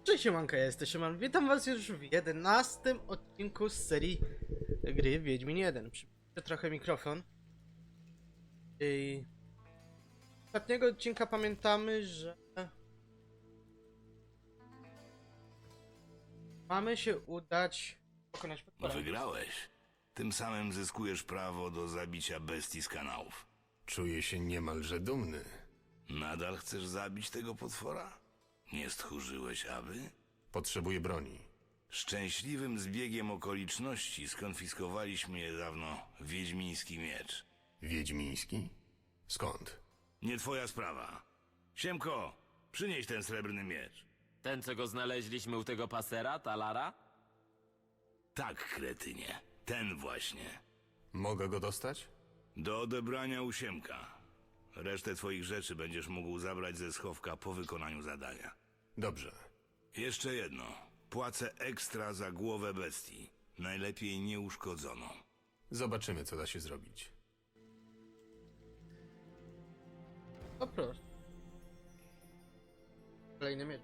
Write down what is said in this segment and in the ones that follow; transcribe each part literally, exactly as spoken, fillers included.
Cześć siemanka, ja jestem Szyman. Witam was już w jedenastym odcinku z serii gry Wiedźmin jeden. Przybliżę trochę mikrofon. I... Z ostatniego odcinka pamiętamy, że... mamy się udać pokonać potwora. Wygrałeś. Tym samym zyskujesz prawo do zabicia bestii z kanałów. Czuję się niemalże dumny. Nadal chcesz zabić tego potwora? Nie stchórzyłeś, aby? Potrzebuję broni. Szczęśliwym zbiegiem okoliczności skonfiskowaliśmy niedawno wiedźmiński miecz. Wiedźmiński? Skąd? Nie twoja sprawa. Siemko, przynieś ten srebrny miecz. Ten, co go znaleźliśmy u tego pasera, Talara? Tak, kretynie. Ten właśnie. Mogę go dostać? Do odebrania u Siemka. Resztę twoich rzeczy będziesz mógł zabrać ze schowka po wykonaniu zadania. Dobrze. Jeszcze jedno. Płacę ekstra za głowę bestii. Najlepiej nieuszkodzoną. Zobaczymy, co da się zrobić. O proszę. Kolejny miecz.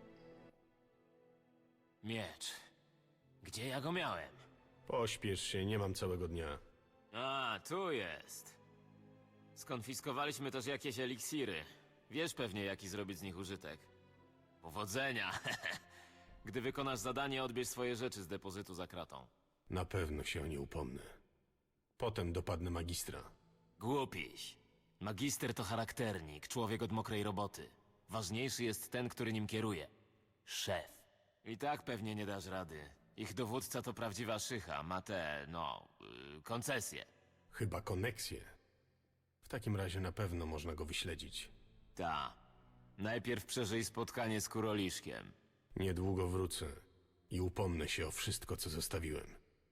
Miecz. Gdzie ja go miałem? Pośpiesz się, nie mam całego dnia. A, tu jest. Skonfiskowaliśmy też jakieś eliksiry. Wiesz pewnie, jaki zrobić z nich użytek. Powodzenia! Gdy wykonasz zadanie, odbierz swoje rzeczy z depozytu za kratą. Na pewno się o nie upomnę. Potem dopadnę magistra. Głupiś. Magister to charakternik, człowiek od mokrej roboty. Ważniejszy jest ten, który nim kieruje. Szef. I tak pewnie nie dasz rady. Ich dowódca to prawdziwa szycha, ma te, no, yy, koncesje. Chyba koneksję. W takim razie na pewno można go wyśledzić. Ta. Najpierw przeżyj spotkanie z Kuroliszkiem. Niedługo wrócę i upomnę się o wszystko, co zostawiłem.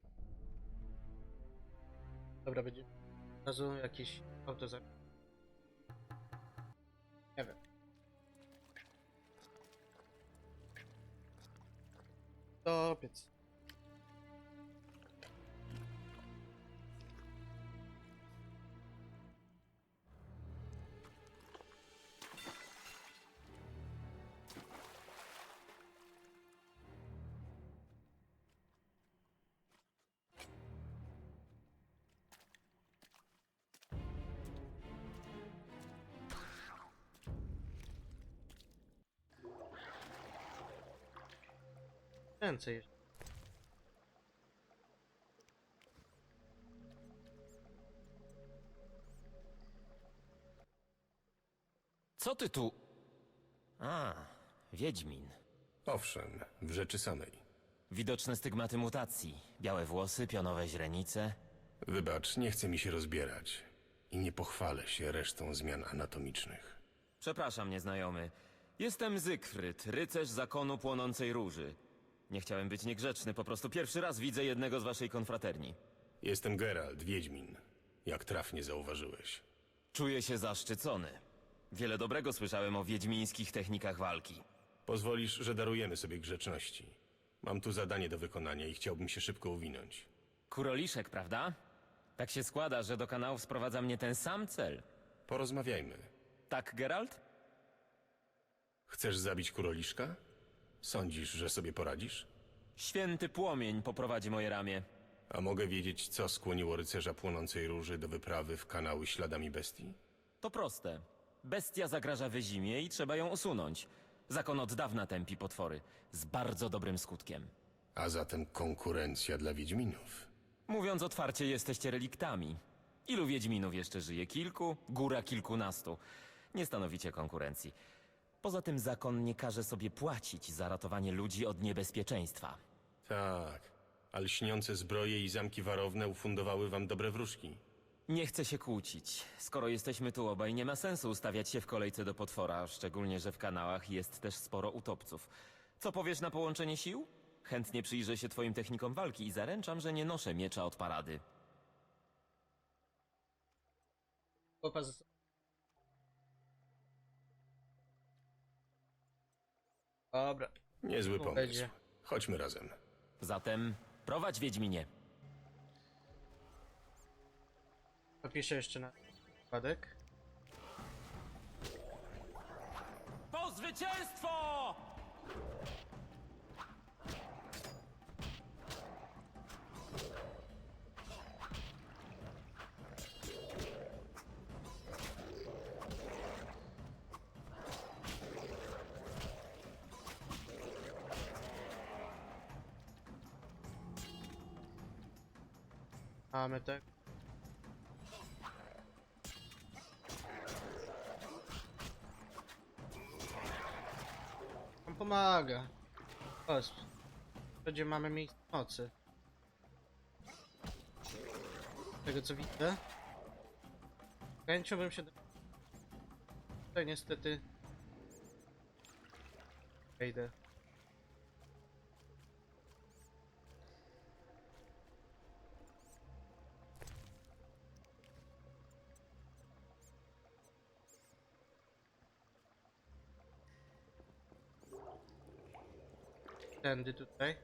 Dobra, będzie od razu jakiś auto za... Nie wiem. Topiec. Ręce jeszcze. Co ty tu? A, Wiedźmin. Owszem, w rzeczy samej. Widoczne stygmaty mutacji. Białe włosy, pionowe źrenice. Wybacz, nie chce mi się rozbierać. I nie pochwalę się resztą zmian anatomicznych. Przepraszam, nieznajomy. Jestem Zygfryd, rycerz zakonu płonącej róży. Nie chciałem być niegrzeczny, po prostu pierwszy raz widzę jednego z waszej konfraterni. Jestem Geralt, Wiedźmin. Jak trafnie zauważyłeś. Czuję się zaszczycony. Wiele dobrego słyszałem o wiedźmińskich technikach walki. Pozwolisz, że darujemy sobie grzeczności. Mam tu zadanie do wykonania i chciałbym się szybko uwinąć. Kuroliszek, prawda? Tak się składa, że do kanałów sprowadza mnie ten sam cel. Porozmawiajmy. Tak, Geralt? Chcesz zabić Kuroliszka? Sądzisz, że sobie poradzisz? Święty płomień poprowadzi moje ramię. A mogę wiedzieć, co skłoniło rycerza płonącej róży do wyprawy w kanały śladami bestii? To proste. Bestia zagraża Wyzimie i trzeba ją usunąć. Zakon od dawna tępi potwory. Z bardzo dobrym skutkiem. A zatem konkurencja dla Wiedźminów. Mówiąc otwarcie, jesteście reliktami. Ilu Wiedźminów jeszcze żyje? Kilku? Góra kilkunastu. Nie stanowicie konkurencji. Poza tym zakon nie każe sobie płacić za ratowanie ludzi od niebezpieczeństwa. Tak, a lśniące zbroje i zamki warowne ufundowały wam dobre wróżki. Nie chcę się kłócić. Skoro jesteśmy tu obaj, nie ma sensu ustawiać się w kolejce do potwora, szczególnie, że w kanałach jest też sporo utopców. Co powiesz na połączenie sił? Chętnie przyjrzę się twoim technikom walki i zaręczam, że nie noszę miecza od parady. Chłopa z... Dobra. Niezły Tu pomysł. będzie. Chodźmy razem. Zatem prowadź, Wiedźminie. Napiszę jeszcze na wypadek. Po zwycięstwo! Mamy tak. On pomaga. O, będzie mamy miejsce mocy. Z tego co widzę. Z chęcią bym się... Tutaj niestety... Wejdę. Tędy tutaj.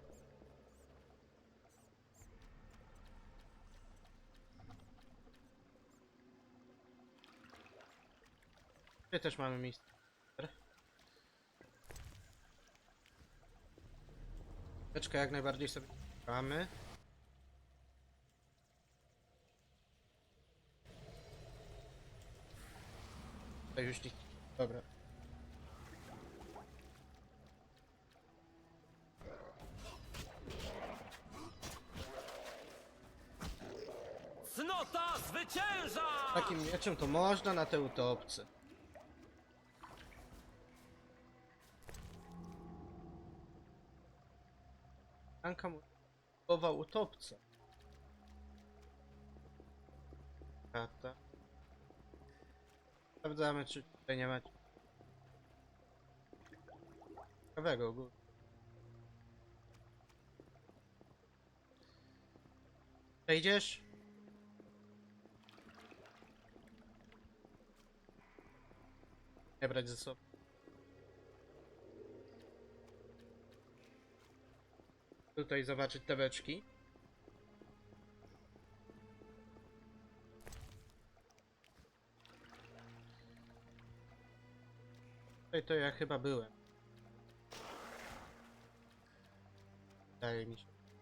Tutaj też mamy miejsce. Teczkę jak najbardziej sobie mamy. Tutaj już nic. Dobra. Cnota zwycięża! Takim mieczem to można na te utopce. Anka mu budował utopca. Karta. Sprawdzamy, czy tutaj nie macie ciekawego ogólnie. Wejdziesz? Nie brać ze sobą. Tutaj zobaczyć te beczki. Tutaj to ja chyba byłem. Wydaje mi się.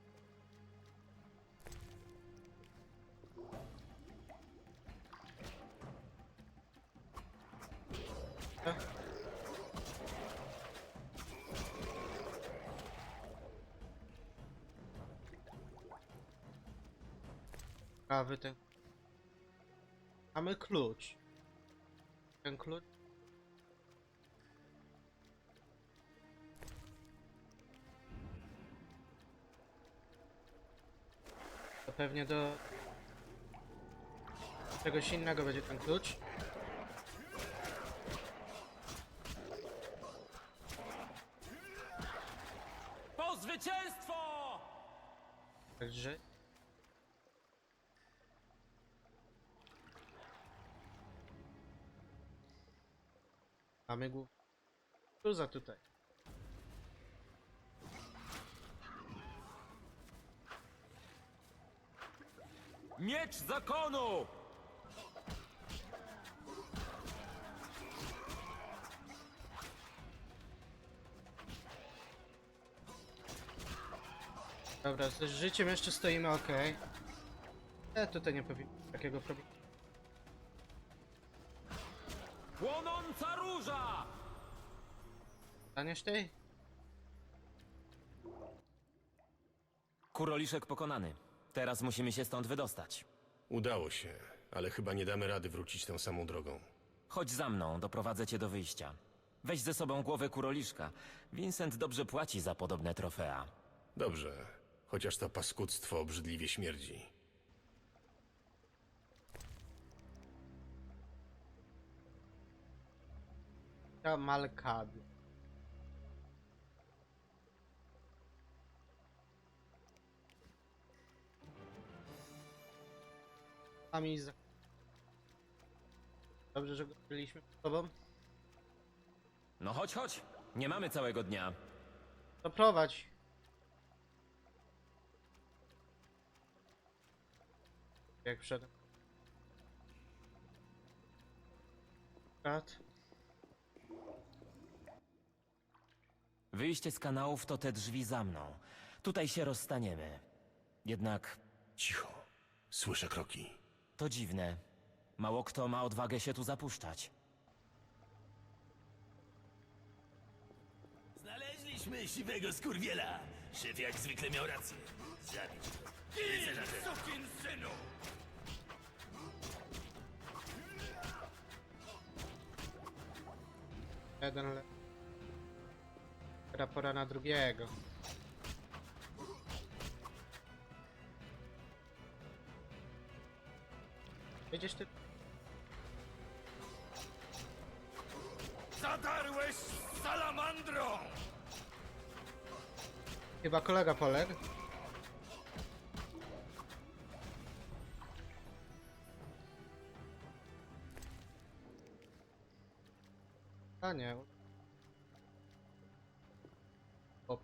Prawy ten. Mamy klucz. Ten klucz. To pewnie do czegoś innego będzie ten klucz. Po zwycięstwo! Także. Mamy głów. Cruza tutaj. Miecz zakonu! Dobra, z życiem jeszcze stoimy ok. E, tutaj nie powinno takiego problemu. Płonąca róża! Staniesz tej? Kuroliszek pokonany. Teraz musimy się stąd wydostać. Udało się, ale chyba nie damy rady wrócić tą samą drogą. Chodź za mną, doprowadzę cię do wyjścia. Weź ze sobą głowę kuroliszka. Vincent dobrze płaci za podobne trofea. Dobrze, chociaż to paskudztwo obrzydliwie śmierdzi. Kamalkady. Amiz. Dobrze, że go byliśmy z tobą. No chodź, chodź. Nie mamy całego dnia. To prowadź. Jak wszedłem. Kat. Wyjście z kanałów to te drzwi za mną. Tutaj się rozstaniemy. Jednak Cicho, słyszę kroki. to dziwne. Mało kto ma odwagę się tu zapuszczać. Znaleźliśmy siwego skurwiela. Szef jak zwykle miał rację. Zabić go. Gin, sukin synu! Jeden le... Teraz pora na drugiego. Jedziesz ty? Zadarłeś z salamandrą! Chyba kolega poległ. A nie. Hop.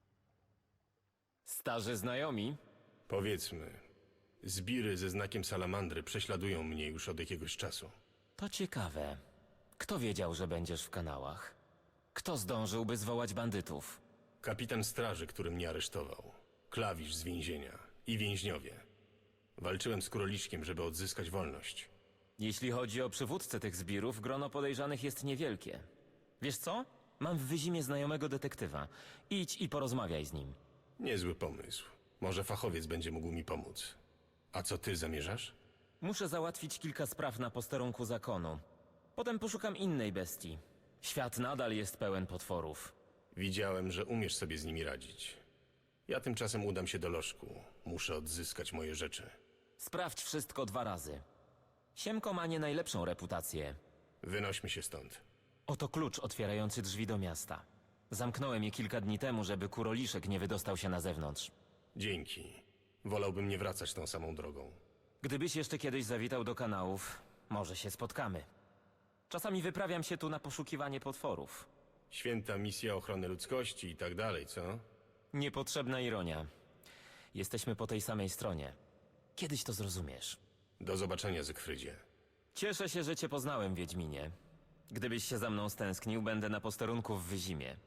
Starzy znajomi? Powiedzmy, zbiry ze znakiem salamandry prześladują mnie już od jakiegoś czasu. To ciekawe. Kto wiedział, że będziesz w kanałach? Kto zdążyłby zwołać bandytów? Kapitan straży, który mnie aresztował. Klawisz z więzienia. I więźniowie. Walczyłem z króliczkiem, żeby odzyskać wolność. Jeśli chodzi o przywódcę tych zbirów, grono podejrzanych jest niewielkie. Wiesz co? Mam w Wyzimie znajomego detektywa. Idź i porozmawiaj z nim. Niezły pomysł. Może fachowiec będzie mógł mi pomóc. A co ty zamierzasz? Muszę załatwić kilka spraw na posterunku zakonu. Potem poszukam innej bestii. Świat nadal jest pełen potworów. Widziałem, że umiesz sobie z nimi radzić. Ja tymczasem udam się do lożku. Muszę odzyskać moje rzeczy. Sprawdź wszystko dwa razy. Siemko ma nie najlepszą reputację. Wynośmy się stąd. Oto klucz otwierający drzwi do miasta. Zamknąłem je kilka dni temu, żeby kuroliszek nie wydostał się na zewnątrz. Dzięki. Wolałbym nie wracać tą samą drogą. Gdybyś jeszcze kiedyś zawitał do kanałów, może się spotkamy. Czasami wyprawiam się tu na poszukiwanie potworów. Święta misja ochrony ludzkości i tak dalej, co? Niepotrzebna ironia. Jesteśmy po tej samej stronie. Kiedyś to zrozumiesz. Do zobaczenia, Zygfrydzie. Cieszę się, że cię poznałem, Wiedźminie. Gdybyś się za mną stęsknił, będę na posterunku w Wyzimie.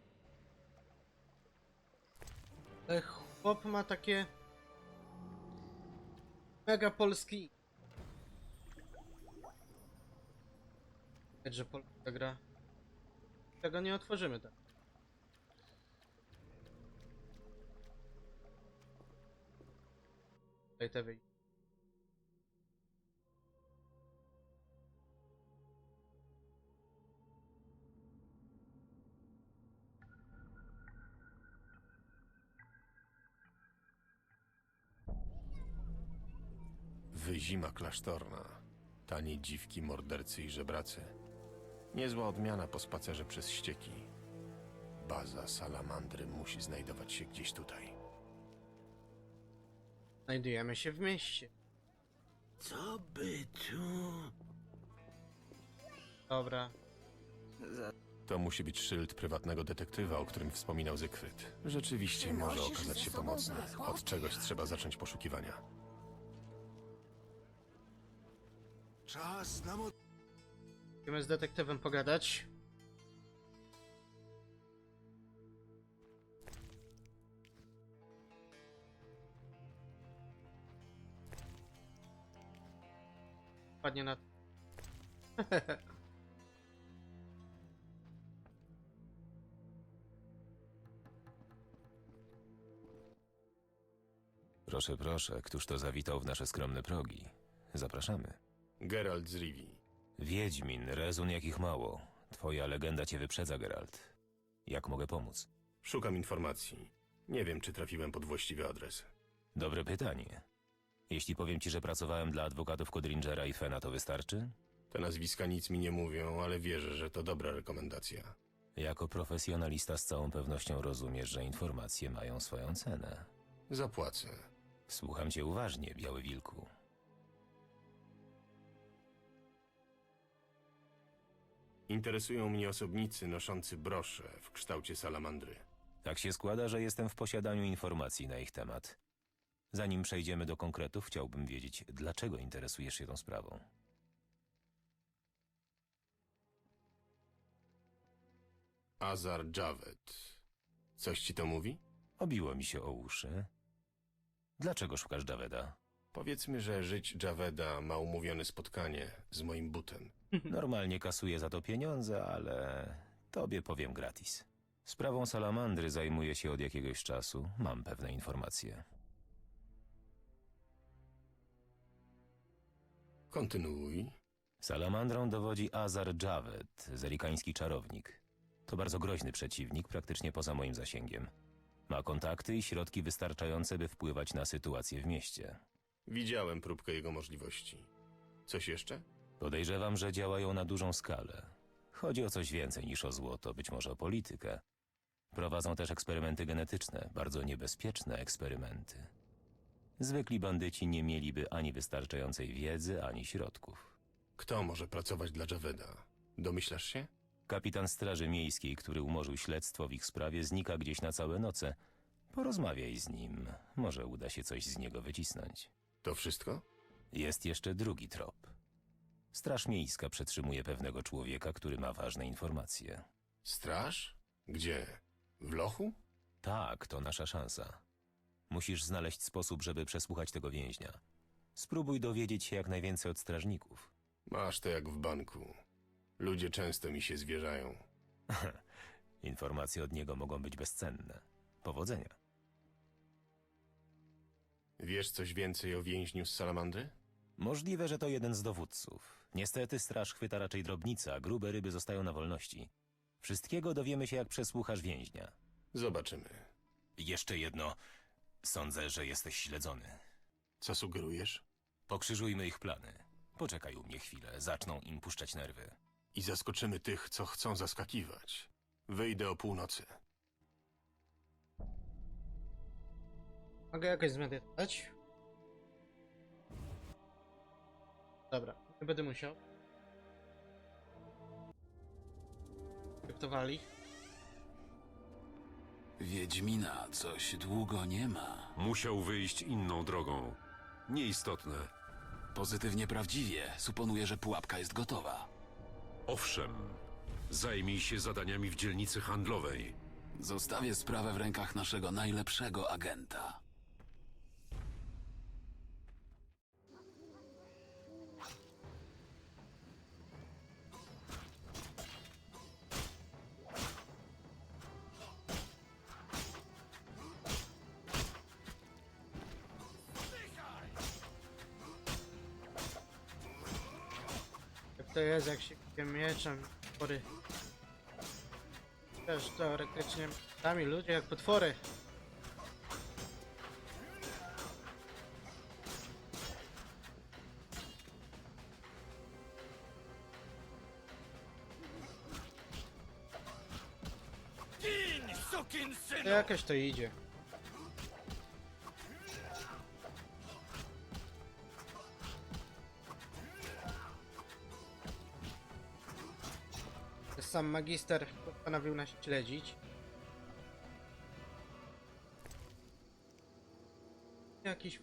Ale chłop ma takie... Mega polski... Widać, że polska gra. Tego nie otworzymy tak. Tutaj te wyjść. Wyzima klasztorna. Tanie dziwki, mordercy i żebracy. Niezła odmiana po spacerze przez ścieki. Baza salamandry musi znajdować się gdzieś tutaj. Znajdujemy się w mieście. Co by tu... Dobra. To musi być szyld prywatnego detektywa, o którym wspominał Zygfryd. Rzeczywiście może okazać się pomocny. Od czegoś trzeba zacząć poszukiwania. Czas na mo... Musimy z detektywem pogadać. Padnie na... Proszę, proszę, któż to zawitał w nasze skromne progi? Zapraszamy. Geralt z Rivii. Wiedźmin, rezun jakich mało. Twoja legenda cię wyprzedza, Geralt. Jak mogę pomóc? Szukam informacji. Nie wiem, czy trafiłem pod właściwy adres. Dobre pytanie. Jeśli powiem ci, że pracowałem dla adwokatów Codringera i Fena, to wystarczy? Te nazwiska nic mi nie mówią, ale wierzę, że to dobra rekomendacja. Jako profesjonalista z całą pewnością rozumiesz, że informacje mają swoją cenę. Zapłacę. Słucham cię uważnie, Biały Wilku. Interesują mnie osobnicy noszący brosze w kształcie salamandry. Tak się składa, że jestem w posiadaniu informacji na ich temat. Zanim przejdziemy do konkretów, chciałbym wiedzieć, dlaczego interesujesz się tą sprawą. Azar Javed. Coś ci to mówi? Obiło mi się o uszy. Dlaczego szukasz Javeda? Powiedzmy, że żyć Javeda ma umówione spotkanie z moim butem. Normalnie kasuję za to pieniądze, ale tobie powiem gratis. Sprawą salamandry zajmuję się od jakiegoś czasu. Mam pewne informacje. Kontynuuj. Salamandrą dowodzi Azar Javed, zerikański czarownik. To bardzo groźny przeciwnik, praktycznie poza moim zasięgiem. Ma kontakty i środki wystarczające, by wpływać na sytuację w mieście. Widziałem próbkę jego możliwości. Coś jeszcze? Podejrzewam, że działają na dużą skalę. Chodzi o coś więcej niż o złoto, być może o politykę. Prowadzą też eksperymenty genetyczne, bardzo niebezpieczne eksperymenty. Zwykli bandyci nie mieliby ani wystarczającej wiedzy, ani środków. Kto może pracować dla Javeda? Domyślasz się? Kapitan Straży Miejskiej, który umorzył śledztwo w ich sprawie, znika gdzieś na całe noce. Porozmawiaj z nim, może uda się coś z niego wycisnąć. To wszystko? Jest jeszcze drugi trop. Straż Miejska przetrzymuje pewnego człowieka, który ma ważne informacje. Straż? Gdzie? W lochu? Tak, to nasza szansa. Musisz znaleźć sposób, żeby przesłuchać tego więźnia. Spróbuj dowiedzieć się jak najwięcej od strażników. Masz to jak w banku. Ludzie często mi się zwierzają. Informacje od niego mogą być bezcenne. Powodzenia. Wiesz coś więcej o więźniu z Salamandry? Możliwe, że to jeden z dowódców. Niestety straż chwyta raczej drobnica, a grube ryby zostają na wolności. Wszystkiego dowiemy się, jak przesłuchasz więźnia. Zobaczymy. Jeszcze jedno. Sądzę, że jesteś śledzony. Co sugerujesz? Pokrzyżujmy ich plany. Poczekaj u mnie chwilę, zaczną im puszczać nerwy. I zaskoczymy tych, co chcą zaskakiwać. Wyjdę o północy. Mogę jakoś zmedytować? Dobra, nie będę musiał. Kryptowali. Wiedźmina coś długo nie ma. Musiał wyjść inną drogą. Nieistotne. Pozytywnie prawdziwie. Suponuję, że pułapka jest gotowa. Owszem, zajmij się zadaniami w dzielnicy handlowej. Zostawię sprawę w rękach naszego najlepszego agenta. Jak to jest, jak się tym mieczem potwory. Też teoretycznie sami ludzie jak potwory. To jakoś to idzie. Sam magister postanowił nas śledzić. Jakiś...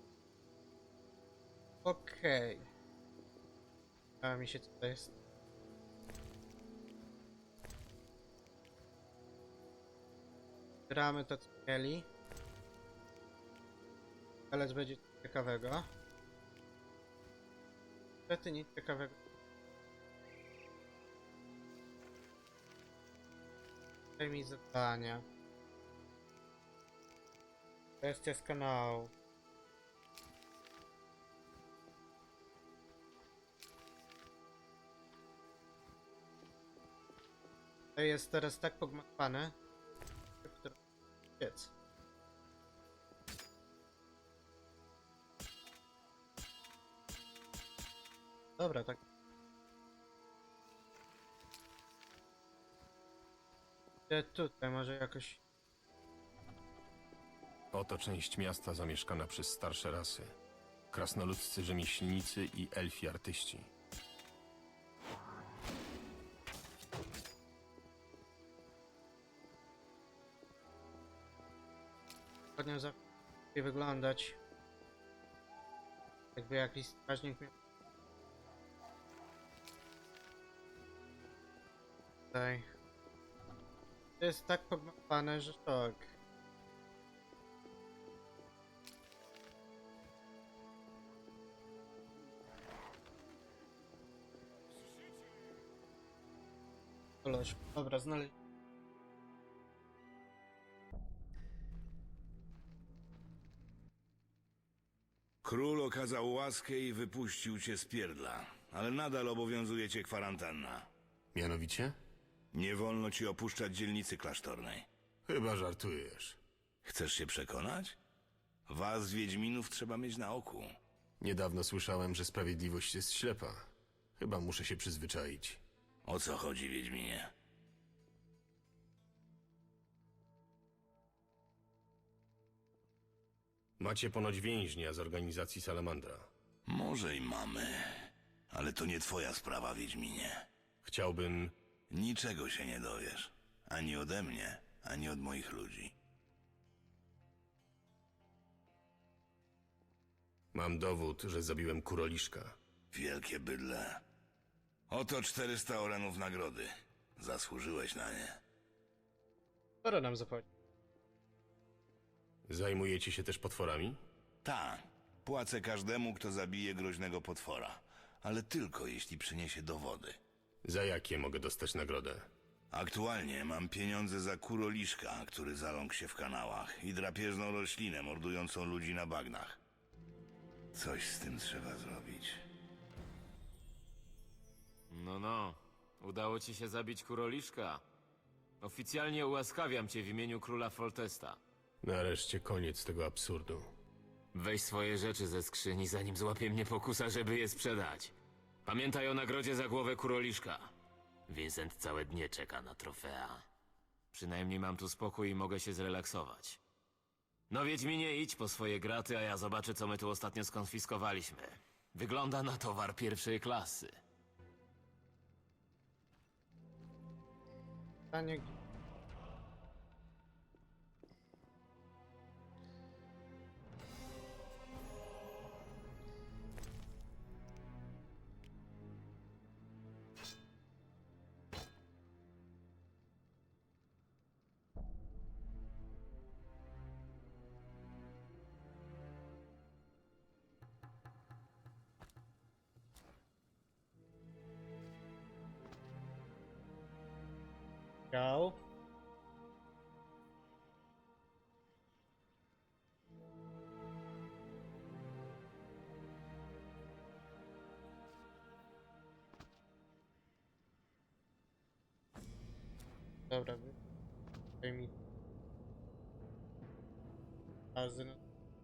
Okej. Okay. A mi się co to jest? Gramy to co mieli. Ale będzie coś ciekawego. Niestety nic ciekawego. Daj mi zadania. Kwestia z kanału. To jest teraz tak pogmatwane, że piec. Dobra, tak. Gdzie tutaj może jakoś... Oto część miasta zamieszkana przez starsze rasy. Krasnoludzcy rzemieślnicy i elfi artyści. Ładnie za... wyglądać. Jakby jakiś strażnik miał... Tutaj. To jest tak pogmatwane, że tak. Koleż, dobra, znaleźć. Król okazał łaskę i wypuścił cię z pierdla, ale nadal obowiązuje cię kwarantanna. Mianowicie? Nie wolno ci opuszczać dzielnicy klasztornej. Chyba żartujesz. Chcesz się przekonać? Was, Wiedźminów, trzeba mieć na oku. Niedawno słyszałem, że sprawiedliwość jest ślepa. Chyba muszę się przyzwyczaić. O co chodzi, Wiedźminie? Macie ponoć więźnia z organizacji Salamandra. Może i mamy, ale to nie twoja sprawa, Wiedźminie. Chciałbym... Niczego się nie dowiesz. Ani ode mnie, ani od moich ludzi. Mam dowód, że zabiłem kuroliszka. Wielkie bydle. Oto czterysta orenów nagrody. Zasłużyłeś na nie. Sporo nam zapłaci. Zajmujecie się też potworami? Tak. Płacę każdemu, kto zabije groźnego potwora. Ale tylko jeśli przyniesie dowody. Za jakie mogę dostać nagrodę? Aktualnie mam pieniądze za kuroliszka, który zaląkł się w kanałach, i drapieżną roślinę mordującą ludzi na bagnach. Coś z tym trzeba zrobić. No, no. Udało ci się zabić kuroliszka. Oficjalnie ułaskawiam cię w imieniu króla Foltesta. Nareszcie koniec tego absurdu. Weź swoje rzeczy ze skrzyni, zanim złapie mnie pokusa, żeby je sprzedać. Pamiętaj o nagrodzie za głowę kuroliszka. Vincent całe dnie czeka na trofea. Przynajmniej mam tu spokój i mogę się zrelaksować. No Wiedźminie, idź po swoje graty, a ja zobaczę, co my tu ostatnio skonfiskowaliśmy. Wygląda na towar pierwszej klasy. Pytanie... Ciao. Dobra, wy- daj mi bazy na...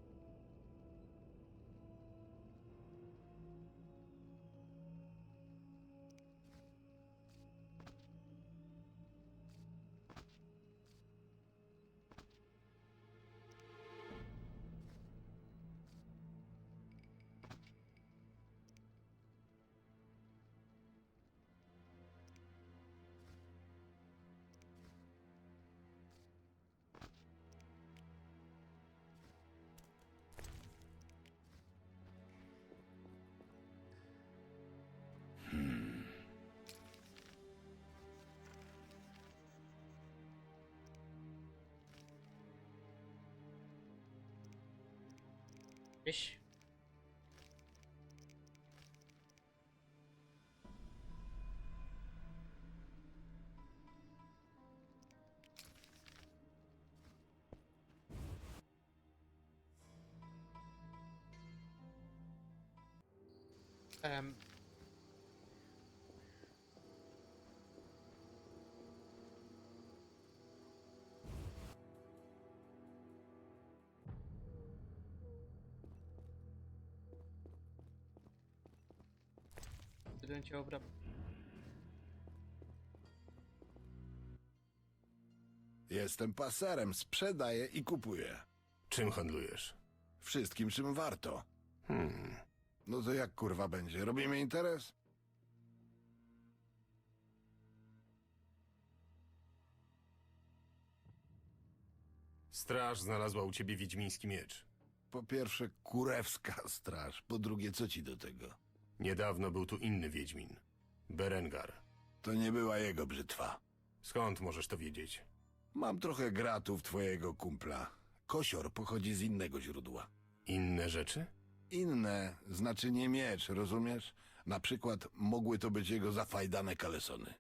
Gdzieś. Em. Studencie obrab. Jestem paserem, sprzedaję i kupuję. Czym handlujesz? Wszystkim, czym warto. Hmm. No to jak kurwa będzie? Robimy interes? Straż znalazła u ciebie wiedźmiński miecz. Po pierwsze, kurewska straż. Po drugie, co ci do tego? Niedawno był tu inny wiedźmin. Berengar. To nie była jego brzytwa. Skąd możesz to wiedzieć? Mam trochę gratów twojego kumpla. Kosior pochodzi z innego źródła. Inne rzeczy? Inne znaczy nie miecz, rozumiesz? Na przykład mogły to być jego zafajdane kalesony.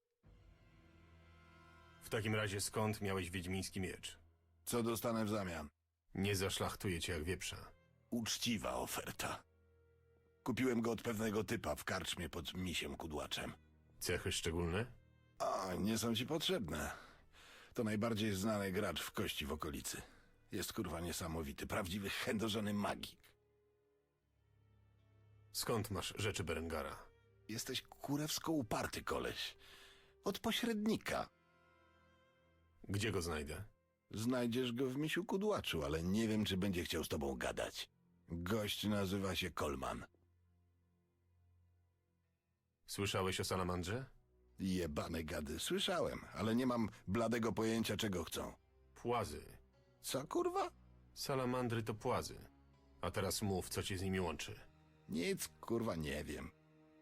W takim razie skąd miałeś wiedźmiński miecz? Co dostanę w zamian? Nie zaszlachtuję cię jak wieprza. uczciwa oferta. Kupiłem go od pewnego typa w karczmie pod misiem kudłaczem. Cechy szczególne? A, nie są ci potrzebne. To najbardziej znany gracz w kości w okolicy. Jest kurwa niesamowity, prawdziwy chędożony magik. Skąd masz rzeczy Berengara? Jesteś kurewsko uparty koleś. Od pośrednika. Gdzie go znajdę? Znajdziesz go w misiu kudłaczu, ale nie wiem, czy będzie chciał z tobą gadać. Gość nazywa się Coleman. Słyszałeś o Salamandrze? Jebane gady, słyszałem, ale nie mam bladego pojęcia, czego chcą. Płazy. Co kurwa? Salamandry to płazy. A teraz mów, co cię z nimi łączy. Nic kurwa nie wiem.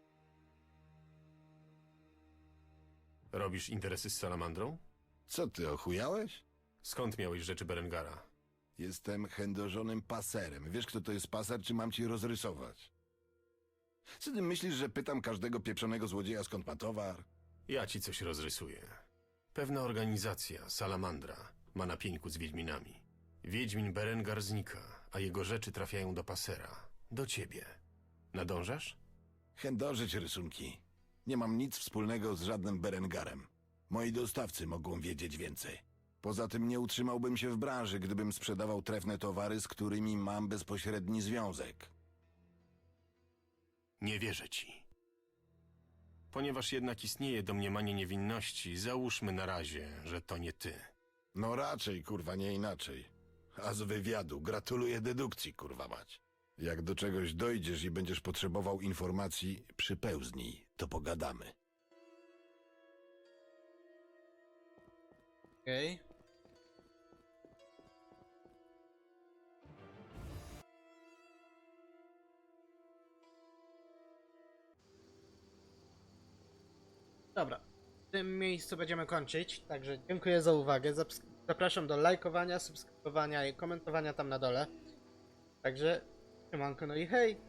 Robisz interesy z Salamandrą? Co ty, ochujałeś? Skąd miałeś rzeczy Berengara? Jestem chędożonym paserem. Wiesz, kto to jest paser, czy mam ci rozrysować? Co ty myślisz, że pytam każdego pieprzonego złodzieja, skąd ma towar? Ja ci coś rozrysuję. Pewna organizacja, Salamandra, ma na pieńku z Wiedźminami. Wiedźmin Berengar znika, a jego rzeczy trafiają do pasera. Do ciebie. Nadążasz? Chędożyć rysunki. Nie mam nic wspólnego z żadnym Berengarem. Moi dostawcy mogą wiedzieć więcej. Poza tym nie utrzymałbym się w branży, gdybym sprzedawał trefne towary, z którymi mam bezpośredni związek. Nie wierzę ci. Ponieważ jednak istnieje domniemanie niewinności, załóżmy na razie, że to nie ty. No raczej, kurwa, nie inaczej. A z wywiadu gratuluję dedukcji, kurwa mać. Jak do czegoś dojdziesz i będziesz potrzebował informacji, przypełznij, to pogadamy. Okej. Dobra, w tym miejscu będziemy kończyć, także dziękuję za uwagę. Zaps- Zapraszam do lajkowania, subskrybowania i komentowania tam na dole. Także, siemanko, no i hej!